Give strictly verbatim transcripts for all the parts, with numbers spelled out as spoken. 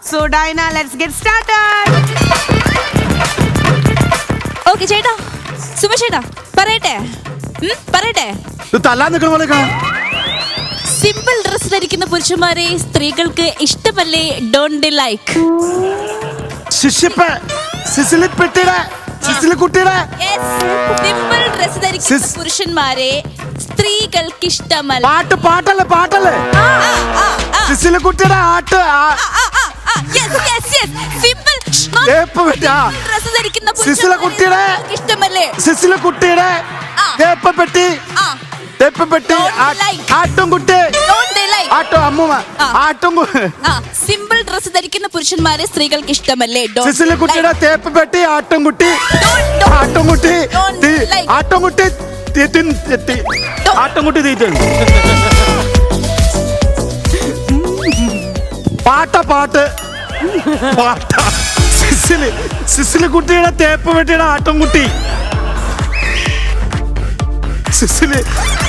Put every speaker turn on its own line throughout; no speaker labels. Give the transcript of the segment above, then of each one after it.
So Diana, let's get started.
Okay, ചേട്ടാ സുമേഷ് ചേട്ടാ പറയട്ടെ പറയട്ടെ സിമ്പിൾ ഡ്രസ് ധരിക്കുന്ന പുരുഷന്മാരെ സ്ത്രീകൾക്ക് ഇഷ്ടമല്ലേ? ഡോണ്ട് ലൈക്ക് സിമ്പിൾ ഡ്രസ് ധരിക്കുന്ന പുരുഷന്മാരെ സ്ത്രീകൾക്ക് ഇഷ്ടമല്ല.
പാട്ട് പാട്ടല്ലേ പാട്ടല്ലേ സിസിലി കുട്ടിയുടെ ആട്ട് സിസില കുട്ടിയുടെ സിസില കുട്ടിയുടെ തേപ്പപ്പെട്ടി തേപ്പപ്പെട്ടി ആട്ടും കുട്ടി ആട്ടോ അമ്മൂമ്മ ആട്ടും
സിമ്പിൾ ഡ്രസ് ധരിക്കുന്ന പുരുഷന്മാരെ സ്ത്രീകൾക്ക് ഇഷ്ടമല്ലേ?
സിസില കുട്ടിയുടെ തേപ്പപ്പെട്ടി ആട്ടും കുട്ടി ആട്ടും കുട്ടി ആട്ടും കുട്ടി ആട്ടും കുട്ടി തീറ്റ പാട്ട പാട്ട് പാട്ട സിസില് സിസില് കുട്ടിയുടെ തേപ്പ് പെട്ടിയുടെ ആട്ടും കുട്ടി സിസില്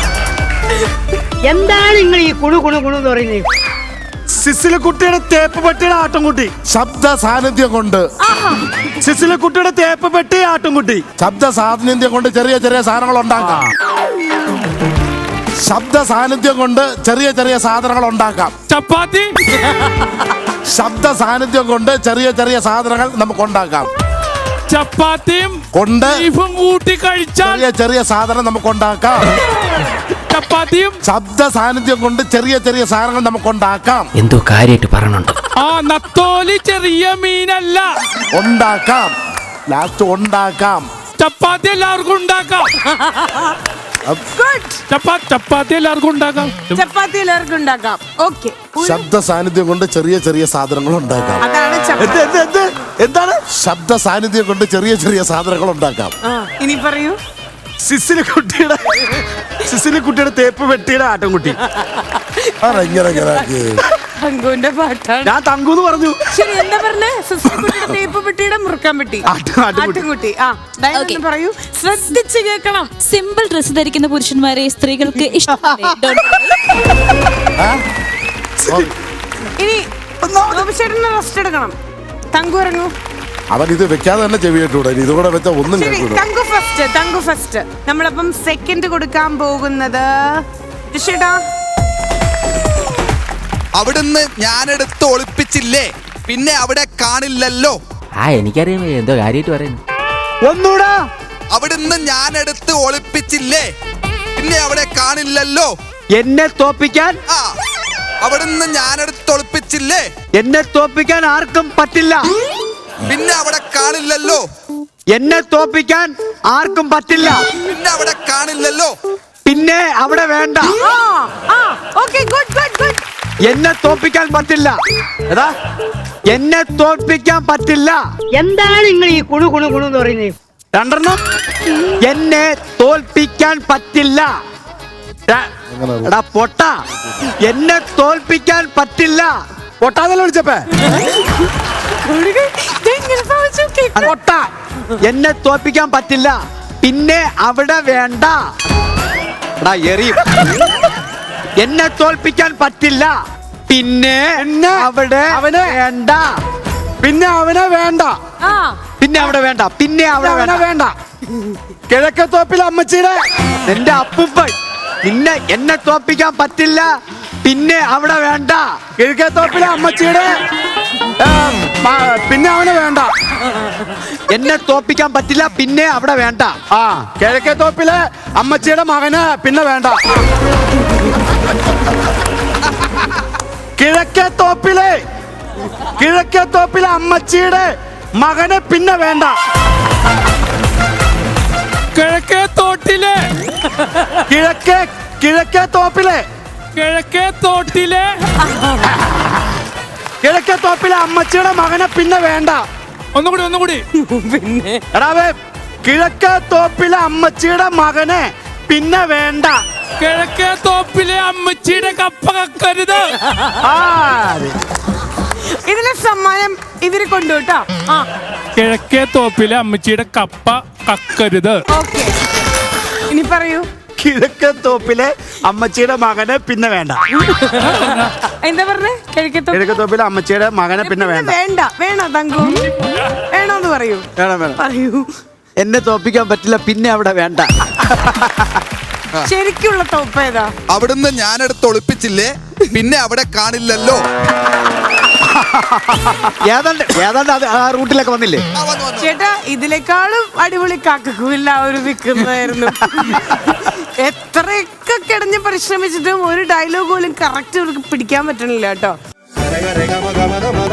എന്താണ് നിങ്ങൾ ഈ കുണു കുണു കുണു എന്ന് പറയുന്നത്?
സിസില് കുട്ടിയുടെ തേപ്പ് പെട്ടിയുടെ ആട്ടും കുട്ടി
ശബ്ദ സാന്നിധ്യം കൊണ്ട്
സിസില് കുട്ടിയുടെ തേപ്പ് പെട്ടി ആട്ടും കുട്ടി
ശബ്ദ സാന്നിധ്യം കൊണ്ട് ചെറിയ ചെറിയ സാധനങ്ങൾ ഉണ്ടാക്കാം. ശബ്ദ സാന്നിധ്യം കൊണ്ട് ചെറിയ ചെറിയ സാധനങ്ങൾ ഉണ്ടാക്കാം.
ചപ്പാത്തി
ശബ്ദ സാന്നിധ്യം കൊണ്ട് ചെറിയ ചെറിയ സാധനങ്ങൾ നമുക്ക് ഉണ്ടാക്കാം.
ചപ്പാത്തിയും
കൊണ്ട്
ബീഫും കൂട്ടി കഴിച്ചാൽ
ചെറിയ ചെറിയ സാധനം നമുക്ക് ഉണ്ടാക്കാം.
ചപ്പാത്തിയും
ശബ്ദ സാന്നിധ്യം കൊണ്ട് ചെറിയ ചെറിയ സാധനങ്ങൾ നമുക്ക് ഉണ്ടാക്കാം.
എന്തോ കാര്യമായിട്ട് പറയണുണ്ട്.
ആ നത്തോലി ചെറിയ മീനല്ല.
ഉണ്ടാക്കാം. ലാസ്റ്റ് ഉണ്ടാക്കാം.
ചപ്പാത്തി എല്ലാവർക്കും ഉണ്ടാക്കാം. ചപ്പാത്തി എല്ലാവർക്കും ഉണ്ടാക്കാം.
ചപ്പാത്തി എല്ലാവർക്കും ഉണ്ടാക്കാം. ഓക്കെ.
ശബ്ദ സാന്നിധ്യം കൊണ്ട് ചെറിയ ചെറിയ സാധനങ്ങൾ ഉണ്ടാക്കാം.
അതാണ്
എന്താണ്
ശബ്ദ സാന്നിധ്യം കൊണ്ട് ചെറിയ ചെറിയ സാധനങ്ങൾ ഉണ്ടാക്കാം.
ഇനി പറയൂ.
സിസിലി കുട്ടിയുടെ സിസിലി കുട്ടിയുടെ തേപ്പ് പെട്ടിയുടെ ആട്ടും കുട്ടി
തങ്കുവിന്റെ പാട്ടാണ്.
ഞാൻ തങ്കൂന്ന് പറഞ്ഞു.
ശരി, എന്താ പറഞ്ഞേ? സിസിലിക്കുട്ടിയുടെ തേപ്പ് പെട്ടിയുടെ മുറുക്കാൻ പെട്ടി ആട്ടുംകുട്ടി. ആ ഡയന പറയൂ, ശ്രദ്ധിച്ച് കേൾക്കണം.
സിമ്പിൾ ഡ്രസ് ധരിക്കുന്ന പുരുഷന്മാരെ സ്ത്രീകൾക്ക് ഇഷ്ടമല്ലേ?
ഇനി ചേട്ടന് റെസ്റ്റ് എടുക്കണം. തങ്കു ഇറങ്ങൂ.
അവൻ ഇത് വെക്കാതെ തന്നെ ചെവിയിട്ടൂടെ, ഇതുകൂടെ വെച്ച ഒന്നും കേൾക്കൂല.
തങ്കു ഫസ്റ്റ് തങ്കു ഫസ്റ്റ് നമ്മളപ്പം സെക്കൻഡ് കൊടുക്കാൻ പോകുന്നത് ചേട്ടാ.
അവിടുന്ന് ഞാനെടുത്ത് ഒളിപ്പിച്ചില്ലേ, പിന്നെ അവിടെ കാണില്ലല്ലോ.
ആ എനിക്കറിയാം എന്തോ കാര്യമായിട്ട് പറയുന്നു.
ഒന്നൂടാ.
അവിടുന്ന് ഞാനെടുത്ത് ഒളിപ്പിച്ചില്ലേ, പിന്നെ അവിടെ കാണില്ലല്ലോ.
എന്നെ തോപ്പിക്കാൻ
ആ അവിടുന്ന് ഞാനെടുത്ത് ഒളിപ്പിച്ചില്ലേ,
എന്നെ തോപ്പിക്കാൻ ആർക്കും പറ്റില്ല.
പിന്നെ അവിടെ കാണില്ലല്ലോ.
എന്നെ തോപ്പിക്കാൻ ആർക്കും പറ്റില്ല.
പിന്നെ അവിടെ കാണില്ലല്ലോ.
പിന്നെ അവിടെ വേണ്ട. എന്നെ തോപ്പിക്കാൻ പറ്റില്ല. ഏതാ എന്നെ തോൽപ്പിക്കാൻ പറ്റില്ല. എന്താണ് നിങ്ങൾ ഈ കുണു കുണു കുണു എന്ന് പറയുന്നത്?
രണ്ടെണ്ണം.
എന്നെ തോൽപ്പിക്കാൻ പറ്റില്ല. എടാ പൊട്ട, എന്നെ തോൽപ്പിക്കാൻ പറ്റില്ല.
പൊട്ടാതല്ല വിളിച്ചപ്പേ
പൊട്ട, എന്നെ തോൽപ്പിക്കാൻ പറ്റില്ല. പിന്നെ അവിടെ വേണ്ട. എടാ എറിയും. എന്നെ തോൽപ്പിക്കാൻ പറ്റില്ല. പിന്നെ അവിടെ
അവനെ
വേണ്ട.
പിന്നെ അവനെ വേണ്ട.
പിന്നെ അവിടെ വേണ്ട. പിന്നെ അവിടെ
അവനെ
വേണ്ട.
വേണ്ട. കിഴക്കത്തോപ്പിലെ അമ്മച്ചിയുടെ
എന്റെ അപ്പൂപ്പൻ. നിന്നെ എന്നെ തോൽപ്പിക്കാൻ പറ്റില്ല. പിന്നെ അവിടെ വേണ്ട.
കിഴക്കത്തോപ്പിലെ അമ്മച്ചിയുടെ പിന്നെ അവനെ വേണ്ട.
എന്നെ തോൽപ്പിക്കാൻ പറ്റില്ല. പിന്നെ അവിടെ വേണ്ട.
ആ കിഴക്കത്തോപ്പിലെ അമ്മച്ചിയുടെ മകന് പിന്നെ വേണ്ട. കിഴക്കത്തോപ്പിലെ കിഴക്കത്തോപ്പിലെ അമ്മച്ചിയുടെ മകന് പിന്നെ വേണ്ട.
കിഴക്കേ തോട്ടിലെ
കിഴക്കേ കിഴക്കേ തോപ്പിലെ
കിഴക്കേ തോട്ടിലെ
കിഴക്കേ തോപ്പിലെ അമ്മച്ചിയുടെ മകനെ പിന്നെ വേണ്ട.
ഒന്നുകൂടി ഒന്നുകൂടി
പിന്നെ
എടാവേ, കിഴക്കേ തോപ്പിലെ അമ്മച്ചിയുടെ മകനെ പിന്നെ വേണ്ട.
കിഴക്കേ തോപ്പിലെ അമ്മച്ചിയുടെ കപ്പ കക്കരുത്.
ആ
ഇതിലെ സമ്മാനം ഇവര് കൊണ്ടുപോട്ടോ.
കിഴക്കേ തോപ്പിലെ അമ്മച്ചിയുടെ കപ്പ കക്കരുത്.
ഓക്കെ, ഇനി പറയൂ.
കിഴക്കേ തോപ്പിലെ അമ്മച്ചിയുടെ മകനെ പിന്നെ വേണ്ട.
എന്താ പറഞ്ഞേ? കിഴക്കത്തോ
കിഴക്കേ തോപ്പിലെ അമ്മച്ചിയുടെ മകനെ പിന്നെ വേണ്ട.
വേണ്ട വേണോ തങ്കു? വേണോന്ന് പറയൂ.
വേണം വേണം.
പറയൂ.
എന്നെ തോപ്പിക്കാൻ പറ്റില്ല, പിന്നെ അവിടെ വേണ്ട.
ശരിക്കുള്ള തോപ്പ് ഏതാ?
അവിടുന്ന് ഞാനെടുത്ത് ഒളിപ്പിച്ചില്ലേ, പിന്നെ അവിടെ കാണില്ലല്ലോ.
ഏതാണ്ട് ഏതാണ്ട് അത് ആ റൂട്ടിലൊക്കെ വന്നില്ലേ?
ആ, വന്നു, വന്നു.
ചേട്ടാ ഇതിനേക്കാളും അടിപൊളി കാക്കക്കുമില്ല ഒരു വിൽക്കുന്നതായിരുന്നു. എത്രയൊക്കെ കിടഞ്ഞ് പരിശ്രമിച്ചിട്ടും ഒരു ഡയലോഗ് പോലും കറക്റ്റ് അവർക്ക് പിടിക്കാൻ പറ്റണില്ല കേട്ടോ.